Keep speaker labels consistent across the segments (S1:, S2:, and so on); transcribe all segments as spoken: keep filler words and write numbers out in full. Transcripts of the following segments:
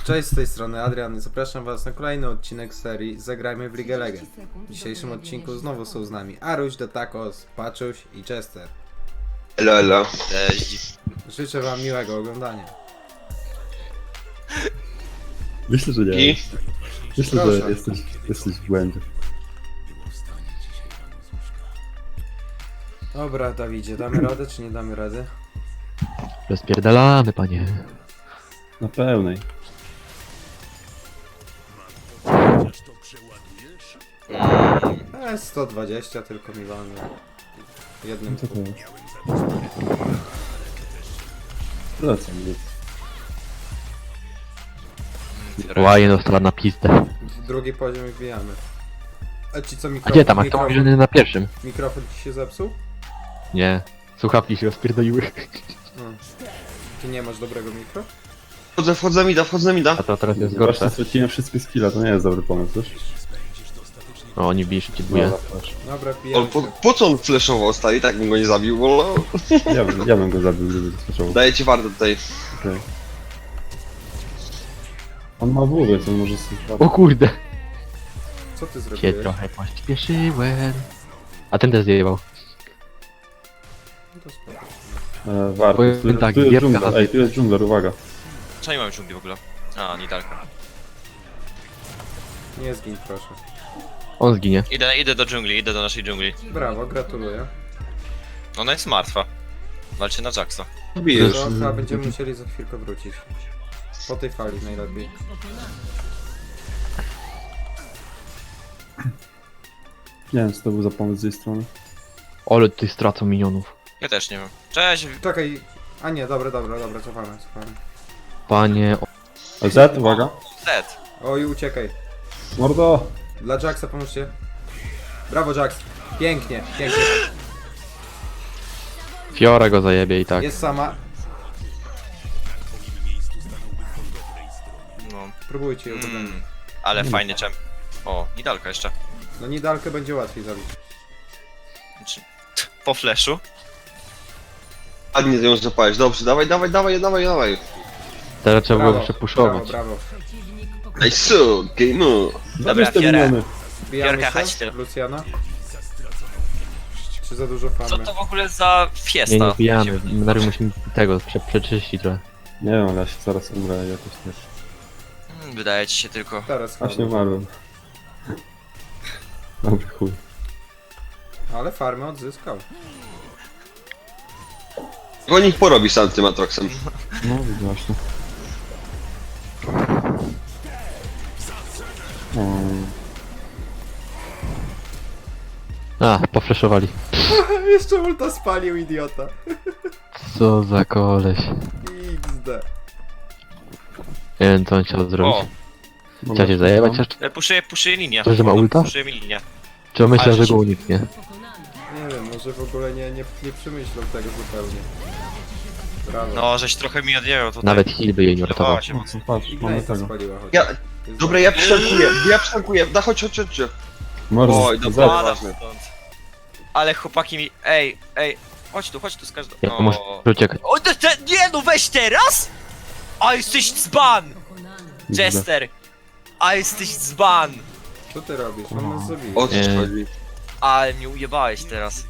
S1: Cześć, z tej strony Adrian i zapraszam was na kolejny odcinek serii Zagrajmy w League Legend. W dzisiejszym odcinku znowu są z nami Aruś, Detakos, Paczuś i Chester.
S2: Elo, elo.
S3: Cześć.
S1: Życzę wam miłego oglądania.
S4: Myślę, że nie.
S2: I?
S4: Myślę,
S1: Proszę.
S4: że jesteś, jesteś w błędzie.
S1: Dobra, Dawidzie, damy radę czy nie damy rady?
S3: Rozpierdalamy, panie.
S4: Na pełnej.
S1: E, sto dwadzieścia tylko mi walmy. Jednym
S4: Co to jest? Wracam, nic.
S3: Łaje dostała na pizdę.
S1: w drugi poziom i wbijamy. A ci co
S3: A
S1: mikrofon?
S3: gdzie tam? A kto
S1: mikrofon,
S3: mówi, że nie na pierwszym?
S1: mikrofon ci się zepsuł?
S3: Nie. Słuchawki się rozpierdoliły.
S1: No. Ty nie masz dobrego mikro?
S2: Wchodzę, wchodzę mi da, wchodzę mi da.
S3: A to teraz jest
S4: Właśnie
S3: gorsze.
S4: straciłem wszystkie skilla, to nie jest dobry pomysł, wiesz?
S3: O, oni bili szybciej dwuje.
S4: Dobra, patrz.
S1: Dobra,
S2: On,
S1: wbijamy
S2: po,
S1: się.
S2: po co on flashował stary? Tak bym go nie zabił, bo
S4: Ja bym, ja bym go zabił, gdyby zaskoczył.
S2: daję ci warto tutaj.
S4: Okay. On ma W, więc on może sobie...
S3: O kurde!
S1: Co ty
S3: Się
S1: zrobiłeś?
S3: trochę pośpieszyłem. A ten też zjebał.
S1: No to spoko.
S4: E, warto.
S3: Powiem
S4: Tu,
S3: tak,
S4: tu jest
S3: gierka
S4: dżungler,
S3: na-
S4: ej, tu jest dżungler, uwaga.
S5: Co nie mamy dżungli w ogóle? A, Nidalka.
S1: Nie zgin proszę.
S3: On zginie.
S5: Idę, idę do dżungli, idę do naszej dżungli.
S1: Brawo, gratuluję.
S5: Ona jest martwa. Walczy na Jacksa.
S2: Bijesz.
S1: To chyba będziemy musieli za chwilkę wrócić. Po tej fali najlepiej.
S4: Nie wiem, co to był za pomysł z jej strony.
S3: Ale ty stracą minionów.
S5: Ja też nie wiem. Cześć!
S1: Czekaj. A nie, dobra, dobra, dobra, cofamy, cofamy.
S3: Panie... O...
S4: A Z, uwaga.
S5: Zed!
S1: Oj, uciekaj.
S4: Mordo!
S1: Dla Jacksa pomóżcie. Brawo, Jax. Pięknie, pięknie.
S3: Fiora go zajebie i tak.
S1: Jest sama.
S5: No.
S1: Próbujcie ją podać.
S5: Mm, ale fajny czem. O, Nidalka jeszcze.
S1: No Nidalkę będzie łatwiej zabić.
S5: Znaczy, po flashu.
S2: Ładnie ją złapałeś, dobrze, dawaj, dawaj, dawaj, dawaj, dawaj.
S3: Teraz trzeba było
S1: brawo,
S3: przepuszować.
S1: brawo.
S2: Ej, su, game'u.
S4: Zabierz te
S5: Fiora.
S4: miniony.
S1: Wbijamy
S5: Piorka, chodź
S1: się,
S5: tu.
S1: Luciana. Czy za dużo
S5: Co
S1: famy?
S5: to w ogóle za
S3: Nie,
S5: fiesta?
S3: nie wbijamy. Najpierw musimy tego prze przeczyścić trochę.
S4: Nie wiem, ale ja się zaraz umrę jakoś też.
S5: Hmm, Wydaje ci się tylko.
S1: Teraz
S4: Właśnie
S1: famy.
S4: umarłem. Dobry chuj.
S1: Ale farmę odzyskał.
S2: Tylko niech porobi sam tym Atroxem.
S4: No, właśnie. Um,
S3: A, pofreszowali.
S1: Jeszcze ulta spalił, idiota.
S3: Co za koleś.
S1: iks de.
S3: Nie wiem, co on chciał zrobić.
S5: O,
S3: Chciał się zajebać jeszcze?
S5: e, puszuję, puszuję linię.
S3: To, że ma ulta?
S5: Puszuję mi linię.
S3: Czy on myślał,
S5: Ale
S3: że
S5: się-
S3: go uniknie?
S1: Nie wiem, może w ogóle nie, nie, nie przemyślał tego zupełnie. Brawo.
S5: No, żeś trochę mi odjęło tutaj.
S3: Nawet heal by jej nie uratował.
S5: Dawała się mocno.
S4: patrz, mamy
S1: Ignite'a
S4: tego.
S1: spaliła choć.
S2: Ja,
S1: Jest
S2: dobra, ja przytankuję, ja przytankuję. Da, chodź, chodź, chodź.
S4: Mordo,
S2: Oj,
S4: Z.
S2: dobra.
S5: Pada
S2: ważne.
S5: stąd. Ale chłopaki mi... Ej, ej. Chodź tu, chodź tu z każdą...
S3: Ja muszę uciekać.
S5: O, te, te, nie no, weź teraz! A jesteś dzban! Jester! A jesteś dzban!
S1: Co ty robisz? On nas zabije.
S2: O co ci
S3: Nie.
S2: chodzi?
S5: Ale mnie ujebałeś teraz.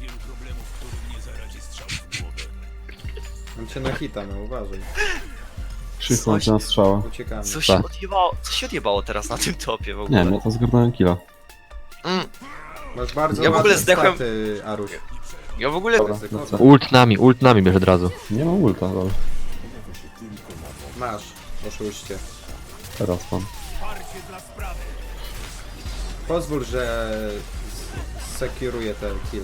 S1: On cię na hita, no uważaj.
S4: Krzyknął cię na strzała.
S1: Uciekamy.
S5: Co się
S3: Tak.
S5: odjebało, co się odjebało teraz na tym topie w ogóle?
S4: Nie wiem, ja to zgarnąłem killa.
S5: Mm,
S1: Masz bardzo
S5: Ja w ogóle
S1: ładne
S5: zdechłem-
S1: staty, Aruś.
S5: ja w ogóle...
S4: Dobra,
S1: Ryzyko.
S4: lecę.
S3: Ult nami, ult nami bierz od razu.
S4: Nie mam ulta, ale
S1: Masz, oszuście.
S4: teraz mam.
S1: Pozwól, że s- sekuruję te kill.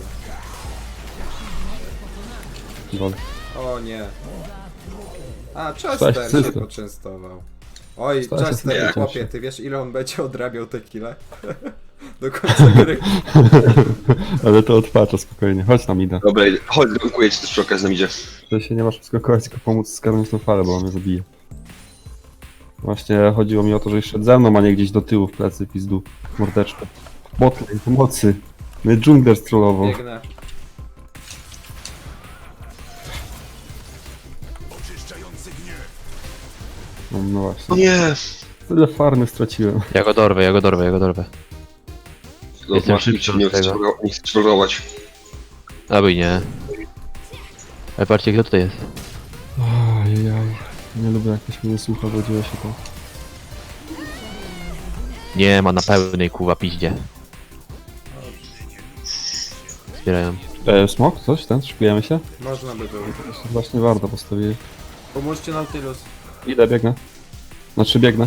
S4: Gol.
S1: O nie. A,
S4: Cześć,
S1: Chester się
S4: Chester.
S1: poczęstował. Oj,
S4: Cześć,
S1: Chester,
S4: Chester.
S1: chłopie, ty wiesz ile on będzie odrabiał te kile? Do końca gry.
S4: Ale to odpacza spokojnie, chodź tam idę.
S2: Dobra, chodź, dziękuję ci też przy okazji nam idzie.
S4: To się nie masz skakować, tylko pomóc skarnąć tą falę, bo on mnie zabije. Właśnie chodziło mi o to, że szedł ze mną, a nie gdzieś do tyłu w plecy, pizdu. Mordeczkę. Botlane, pomocy. Mnie dżungler strollował.
S1: Biegnę.
S4: No, no. No
S2: O
S4: właśnie.
S2: nie!
S4: Tyle farmy straciłem.
S3: Ja go dorwę, ja go dorwę, ja go dorwę.
S2: No,
S3: Jestem
S2: masz,
S3: szybszy
S2: nie
S3: od
S2: chcesz
S3: tego.
S2: rogo- nie chcesz rogować.
S3: Albo i nie. Ale patrzcie, kto tutaj jest.
S4: Ajajaj. Nie lubię jak ktoś mnie nie słucha, bo dzieje się to.
S3: Nie ma na pełnej kuwa piździe. Zbierają.
S4: E, smok? Coś? Ten? Szykujemy się?
S1: Można by było.
S4: Właśnie warto postawili.
S1: Pomóżcie Nautilus.
S4: Idę, biegnę. Znaczy biegnę.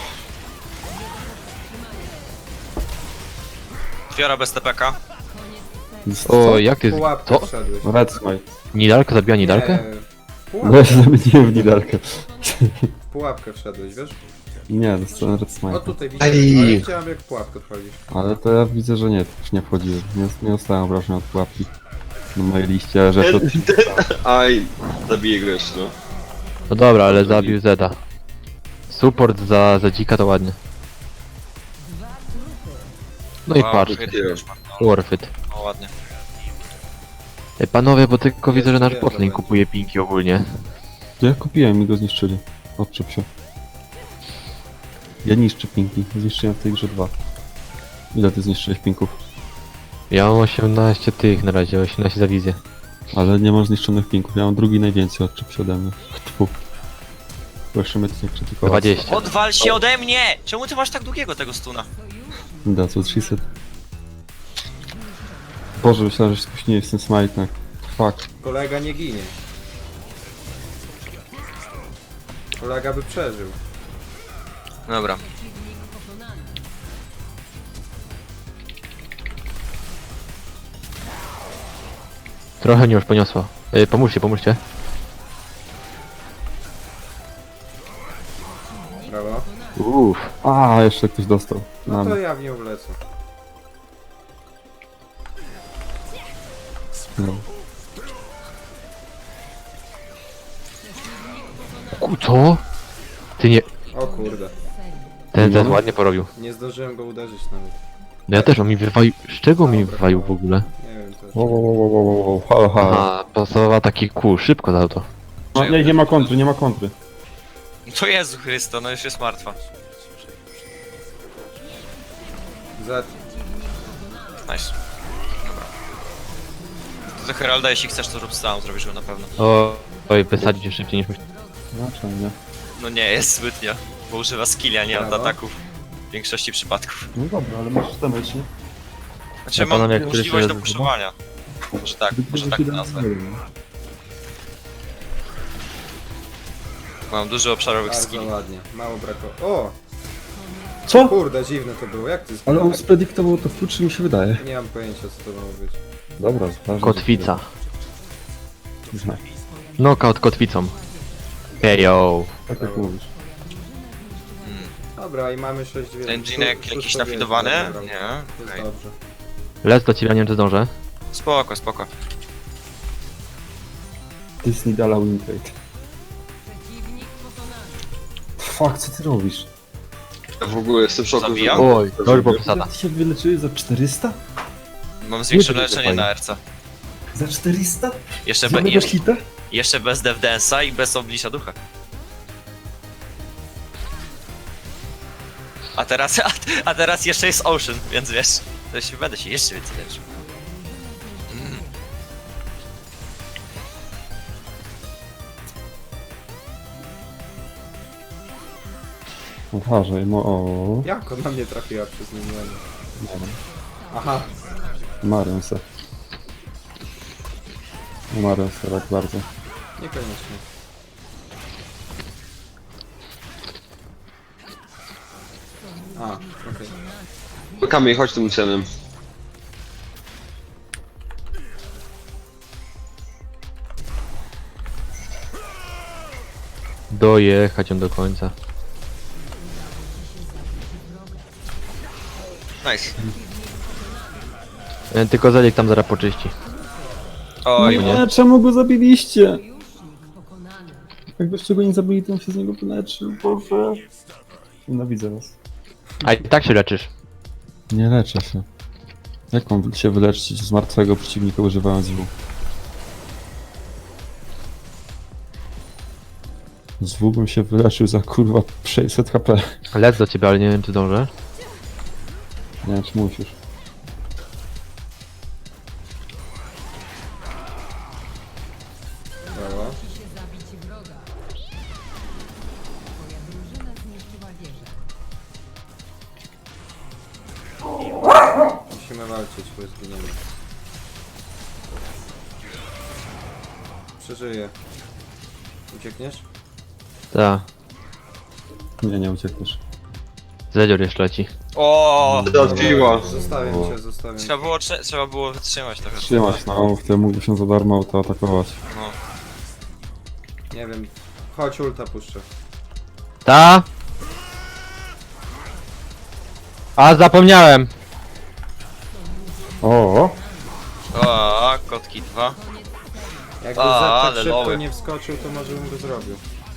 S5: Fiora bez T P K.
S3: O, jak ty...
S1: Pułapkę
S3: Co?
S1: wszedłeś.
S4: Red Smite.
S3: Nidalka zabiła Nidalkę?
S1: Nie,
S4: No ja się
S1: Pułapkę,
S4: zamieniłem w Nidalkę.
S1: pułapkę wszedłeś, wiesz?
S4: Nie, dostałem Red
S1: O
S4: Smite.
S1: tutaj widzę,
S2: Aj.
S1: ale chciałem jak w pułapkę wchodzisz.
S4: Ale to ja widzę, że nie, już nie wchodziłem. Nie, nie dostałem obrażeń od pułapki. Na mojej liście, że to...
S2: Aj, zabiję go jeszcze, no.
S3: No dobra, ale zabił Zeda. Support za, za dzika to ładnie. No i
S5: Wow,
S3: patrz,
S5: hit
S2: nie.
S5: już ma. No,
S3: worth it.
S5: no ładnie.
S3: Ej, panowie, bo tylko widzę, że nasz
S1: Jest,
S3: botlane
S1: jest,
S3: kupuje pinki ogólnie.
S4: To ja kupiłem i go zniszczyli. Odczep się. Ja niszczę pinki. Zniszczyłem w tej grze dwa. Ile ty zniszczyłeś pinków?
S3: Ja mam osiemnaście tych na razie, osiemnaście za wizję.
S4: Ale nie mam zniszczonych pinków. Ja mam drugi najwięcej, odczep się ode mnie. Tfu. Jeszcze mnie to nie krytykować.
S3: dwadzieścia.
S5: Odwal się ode mnie! Czemu ty masz tak długiego tego stuna?
S4: Da, co trzysta. Boże, myślałem, że się spóźniłeś z tym smajtem. Fuck.
S1: Kolega nie ginie. Kolega by przeżył.
S5: Dobra.
S3: Trochę mnie już poniosło. Ej, pomóżcie, pomóżcie.
S1: Brawo.
S3: Uff.
S4: A, jeszcze ktoś dostał.
S1: No
S4: Mam.
S1: to ja w nią wlecę.
S4: No.
S3: Ku, co? Ty nie...
S1: O kurde.
S3: Ten Zed
S4: No.
S3: ładnie porobił.
S1: Nie zdążyłem go uderzyć nawet.
S3: No ja też, on mi wywalił... Z czego mi wywalił w ogóle?
S1: Nie wiem też.
S4: Wow, wow, wow, wow, wow, wow. Halo, halo.
S3: Aha, pasował taki kół, szybko dał to.
S4: No, nie, nie ma kontry, nie ma kontry.
S5: To Jezu Chrysto, no już jest martwa.
S1: Z.
S5: Nice. Dobra. To do Heralda, jeśli chcesz, to rób sam, zrobisz go na pewno.
S3: O, oj, wysadzić się szybciej niż myślałem.
S4: Znaczy, nie.
S5: No nie jest zbytnio, bo używa skilli, a nie
S1: Brawo.
S5: ataków. W większości przypadków.
S4: No dobra, ale masz damage, nie?
S5: Znaczy
S3: Ja
S5: mam
S3: panowie, jak
S5: możliwość
S3: któryś
S5: do
S3: raz-
S5: puszowania. Może tak, może tak to nazwę. Mam dużo obszarowych
S1: Bardzo
S5: skilli.
S1: ładnie. Mało brakowało. O!
S4: Co?
S1: Kurde, dziwne to było. Jak ty
S4: Ale on spredyktował to w czy mi się wydaje.
S1: Nie mam pojęcia co to ma być.
S4: Dobra, ważne.
S3: Kotwica.
S4: Zna.
S3: Knockout kotwicą. Hejo.
S4: Tak jak mówisz.
S1: Dobra, i mamy sześć dwie.
S5: Ten dżinek jakiś nafidowany? Nie?
S1: Jest
S5: Okej.
S1: dobrze.
S3: Lec do ciebie, nie wiem czy zdążę.
S5: Spoko, spoko.
S4: Disney dala winrate. Fuck, co ty robisz?
S2: Ja w ogóle jestem w szoku, że...
S5: Zabijam?
S3: Oj, to już było przesada.
S4: Ty się wyleczyłeś za czterysta?
S5: Mam zwiększone
S3: Nie, to
S5: leczenie
S3: fajnie.
S5: na R C.
S4: Za czterysta?
S5: Jeszcze,
S4: Za
S5: be,
S4: mega
S5: jeszcze,
S4: hita?
S5: jeszcze bez Dev Dance'a i bez Oblicza Ducha. A teraz, a, a teraz jeszcze jest Ocean, więc wiesz, to się będę się jeszcze więcej leczył. Mm.
S4: Uważaj, no o.
S1: Jak ona mnie trafiła przez miniony?
S4: Nie wiem.
S1: Aha.
S4: Marię se. Marię se tak bardzo.
S1: Niekoniecznie. A, okej.
S2: Kamień, chodź tym cenem.
S3: Dojechać ją do końca.
S5: Nice.
S3: E, Tylko Zedik tam zaraz poczyści.
S5: Oj,
S3: nie.
S4: Nie, czemu go zabiliście? Jakbyście go nie zabili, to on się z niego wyleczył, Boże. Nienawidzę was.
S3: A i tak się leczysz.
S4: Nie leczę się. Jak mam się wyleczyć z martwego przeciwnika używając W? Z W bym się wyleczył za kurwa sześćset H P.
S3: Lec do ciebie, ale nie wiem czy dążę.
S4: Nie wiem czy musisz.
S1: Brawo. Musimy walczyć, bo zginiemy. Przeżyję. Uciekniesz?
S3: Tak.
S4: Nie, nie uciekniesz.
S3: Zedzior jeszcze leci.
S5: O,
S2: Trafiła.
S1: Zostawiam
S4: O.
S1: cię, zostawiam.
S5: trzeba było, trze- trzeba było wytrzymać trochę.
S4: Trzymać, no, w tym mógłby się za darmo auto atakować.
S5: No.
S1: Nie wiem. Chodź, ulta puszczę.
S3: Ta! A zapomniałem!
S4: O,
S5: O, kotki dwa.
S1: Jakby
S5: A,
S1: Zed tak
S5: ale
S1: szybko
S5: loły.
S1: nie wskoczył, to może bym go zrobił.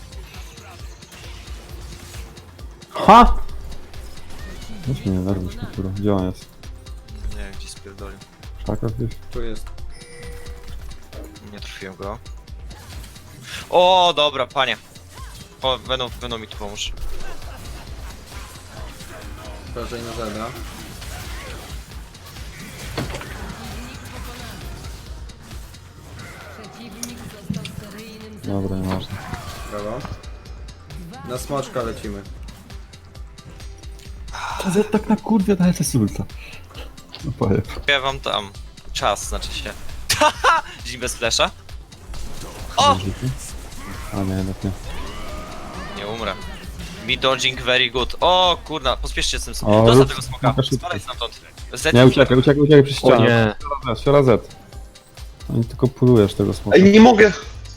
S4: ha! Weź mnie nie nerwisz, kultura. Gdzie on jest?
S5: Nie wiem, gdzie spierdolił.
S4: W szakach gdzieś?
S1: Tu jest.
S5: Nie trafiłem go. O, dobra, panie. O, będą, będą mi tu pomóż.
S1: Uważaj na Zeda.
S4: Dobra, nieważne.
S1: Brawo. Na smoczka lecimy.
S4: To Z tak na kurwie daje te ulta. No powiem.
S5: Ja wam tam czas, znaczy się. Haha! Dzień bez flesza? O!
S4: A nie, jednak nie.
S5: Nie umrę. Me dodging very good. O kurna, pospieszcie z tym.
S4: O,
S5: Dostał
S4: rób-
S5: tego smoka.
S4: smoka szybko.
S5: Spadaj stamtąd. Z
S4: Nie, uciekaj, uciekaj, uciekaj przez
S3: O
S4: ścianę.
S3: nie!
S4: Z, Siora Z. Oni tylko pulujesz tego smoka.
S2: Ej, nie mogę.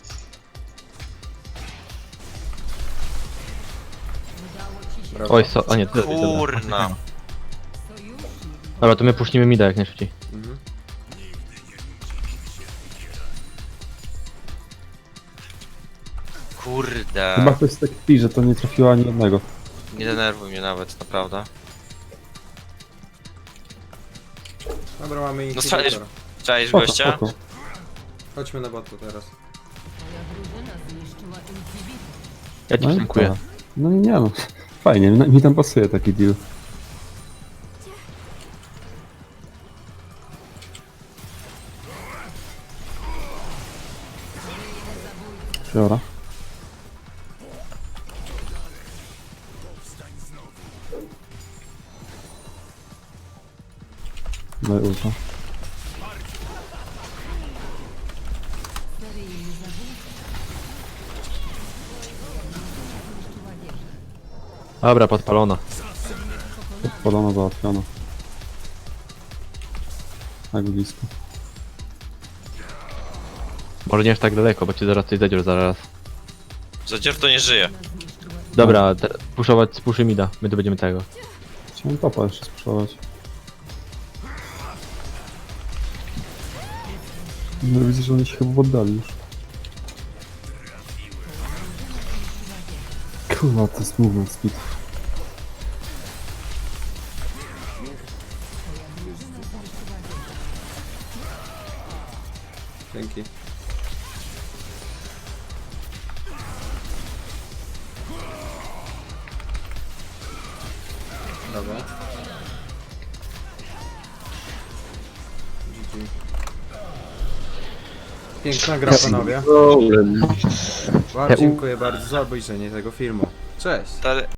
S1: Brawo.
S3: Oj, so, o nie, ty,
S5: Kurna.
S3: Dobra, to my puścimy mida jak najszybciej.
S1: Mhm.
S5: Kurde.
S4: Chyba ktoś tak pi, że to nie trafiło ani jednego.
S5: Nie denerwuj mnie nawet, naprawdę.
S1: Dobra, mamy
S5: No
S1: inhibitor.
S5: strzelisz- Cześć
S4: Spoko,
S5: gościa.
S4: spoko.
S1: Chodźmy na botu teraz.
S3: Ja ci
S4: No i
S3: dziękuję.
S4: tak. No i nie no. Fajnie, mi mi tam pasuje taki deal. Siora. Daj ulta.
S3: Dobra, podpalona.
S4: Podano, załatwiono. Tak blisko.
S3: Może nie aż tak daleko, bo ci zaraz coś zedzior zaraz.
S5: Zadzior to nie żyje.
S3: Dobra, te- puszować, spuszy mida. My tu będziemy tego.
S4: Chciałem topa jeszcze spróbować. No widzę, że oni się chyba oddali już. Kurwa, to jest movement speed.
S1: Dzięki. Brawo. G G. Piękna gra, panowie. Wam dziękuję bardzo za obejrzenie tego filmu. Cześć!
S5: Ale